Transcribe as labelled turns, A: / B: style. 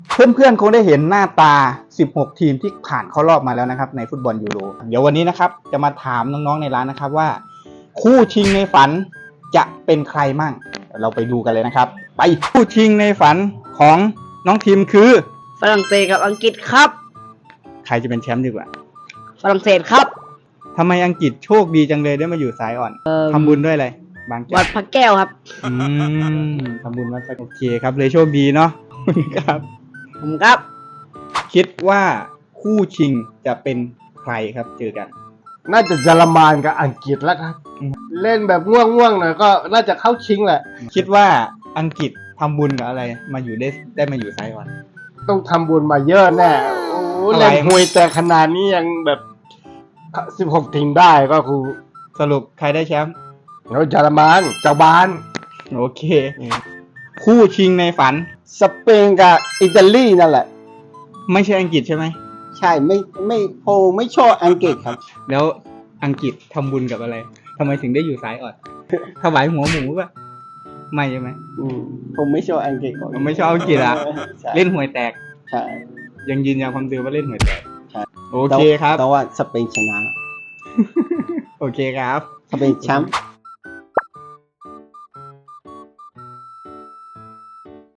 A: เพื่อนๆคงได้เห็นหน้าตา 16 ทีมที่ผ่านเข้ารอบมาแล้วนะครับในฟุตบอลยูโร เดี๋ยววันนี้นะครับจะมาถามน้องๆในร้านนะครับว่าคู่ชิงในฝันจะเป็นใครมั่ง เราไปดูกันเลยนะครับ ไปคู่ชิงในฝันของน้องทีมคือ
B: ฝรั่งเศสกับอังกฤษครับ
A: ใครจะเป็นแชมป์ดีกว่า
B: ฝรั่งเศสครับ
A: ทำไมอังกฤษโชคดีจังเลยได้มาอยู่สายอ่อนทำบุญด้วยอะไรบางแก้
B: วั
A: ว
B: ดพระแก้วครับ
A: ทำบุญวัดโอเคครับเลยโชคดีเนาะ ครับ
B: ผมครับ
A: คิดว่าคู่ชิงจะเป็นใครครับเจอกัน
C: น่าจะเยอรมันกับอังกฤษแล้วครับ เล่นแบบง่วงๆหน่อยก็น่าจะเข้าชิงแหละ
A: คิดว่าอังกฤษทำบุญกับอะไรมาอยู่ได้มาอยู่ไซออน
C: ต้องทำบุญมาเยอะแน่โอ้โห
A: อะไร
C: เล่นหวยแต่ขนาดนี้ยังแบบ16ทีมได้ก็คือ
A: สรุปใครได้แชมป์
C: แล้วเยอรมันเจ้าบ้าน
A: โอเค คู่ชิงในฝัน
D: สเปนกับอิตาลีนั่นแหละ
A: ไม่ใช่อังกฤษใช่ไหม
D: ใช่ไม่โพไม่ชอบอังกฤษครับ
A: แล้วอังกฤษทำบุญกับอะไรทำไมถึงได้อยู่ไซออน ถวายหัวหมูป่ะไม่ใช่ไหม
D: ผมไม่ชอบอังกฤษก่อน
A: ไม่ชอบอังกฤษอะ
D: ใช่
A: เล่นหวยแตก
D: ใช่
A: ยังยืนยันความเดิมว่าเล่นหวยแตก
D: ใช่
A: โอเคครับ
D: แต่ว่าสเปนชนะ
A: โอเคครับ
D: สเปนแชมป์